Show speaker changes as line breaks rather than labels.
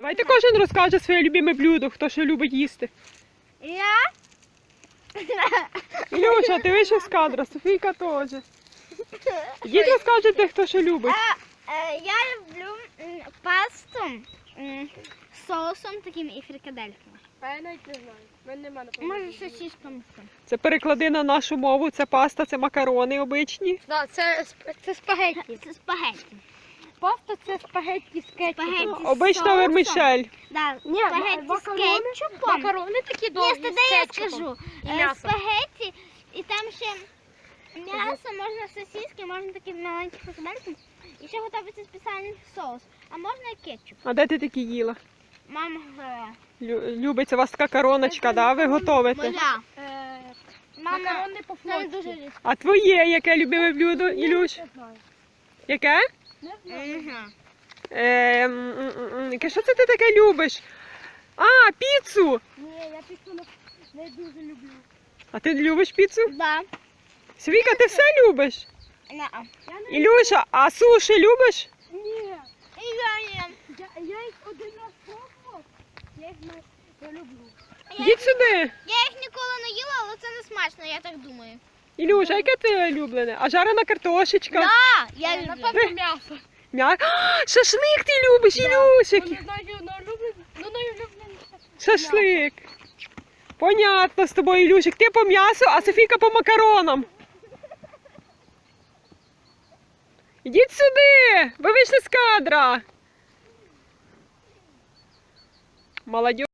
Давайте кожен розкаже своє любиме блюдо, хто що любить їсти.
Я?
Ілюша, ти вийшов з кадра, Софійка теж. Ідіть розкажете, хто що любить.
Я люблю пасту з соусом таким і фрикадельками.
Я навіть не знаю. В мене немає
Може сосисками.
Це переклади на нашу мову, це паста, це макарони обичні.
Так, це спагетті.
Це спагетті.
Паста це спагетті з кетчупом.
Спагетті з
Обична
соусом.
вермішель.
Да,
Ні,
спагетті з
макарони-
кетчупом.
Макарони такі
Ні,
довгі
тоді
з
я
кетчупом.
скажу.
І м'ясо.
Спагетті, і там ще м'ясо, можна сосиски, можна такі маленькі фрикадельки. І ще готується спеціальний соус. А можна і кетчуп.
А де ти такі їла?
Мама говорила.
Любиться у вас така короночка, да? Ви готовите?
Моя. Мама,
Макарони
це
по-флотськи.
дуже різко.
А твоє яке любиме блюдо, Ілюш?
Не знаю.
Яке?
Не знаю.
Яке, що це ти таке любиш? А, піцу!
Ні, я піцу не дуже люблю.
А ти любиш піцу?
Да.
Свіка, ти все любиш?
Неа.
Ілюша, а суші любиш?
Ні.
І я їм.
Я їх один раз пробував. Я їх не люблю.
Йдіть сюди.
Я їх ніколи не їла, але це не смачно, я так думаю.
Ілюша, яке ти улюблене? А жарена картошечка?
Да, я люблю.
Напевно, м'ясо.
А, шашлик ти любиш, Ілюшик.
Ну, не знаю, найулюбленіше.
Шашлик. Понятно з тобою, Ілюшик. Ти по м'ясу, а Софійка по макаронам. Ідіть сюди, ви вийшли з кадра. Молодь.